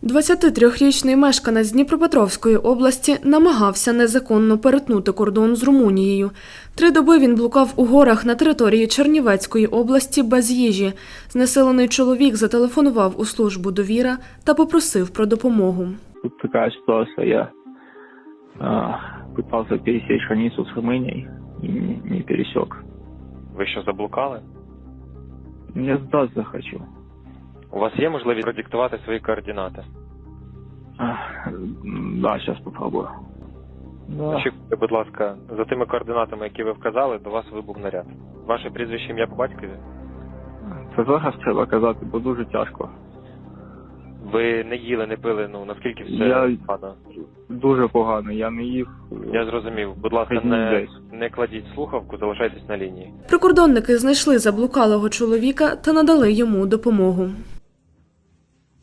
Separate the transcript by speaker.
Speaker 1: 23-річний мешканець Дніпропетровської області намагався незаконно перетнути кордон з Румунією. 3 доби він блукав у горах на території Чернівецької області без їжі. Знесилений чоловік зателефонував у службу «Довіра» та попросив про допомогу.
Speaker 2: Тут такая ситуация, я пытался пересечь границу с Румынией и не пересек.
Speaker 3: Ви що, заблукали?
Speaker 2: Я сдаться хочу.
Speaker 3: У вас є можливість продиктувати свої координати?
Speaker 2: Да, сейчас попробую. Да.
Speaker 3: Очікуйте, будь ласка, за тими координатами, які ви вказали, до вас вибух наряд. Ваше прізвище, ім'я по батькові?
Speaker 2: Це зараз треба казати, бо дуже тяжко.
Speaker 3: Ви не їли, не пили, наскільки все
Speaker 2: Я
Speaker 3: погано?
Speaker 2: дуже погано, я не їв.
Speaker 3: Я зрозумів. Будь ласка, не кладіть слухавку, залишайтесь на лінії.
Speaker 1: Прикордонники знайшли заблукалого чоловіка та надали йому допомогу.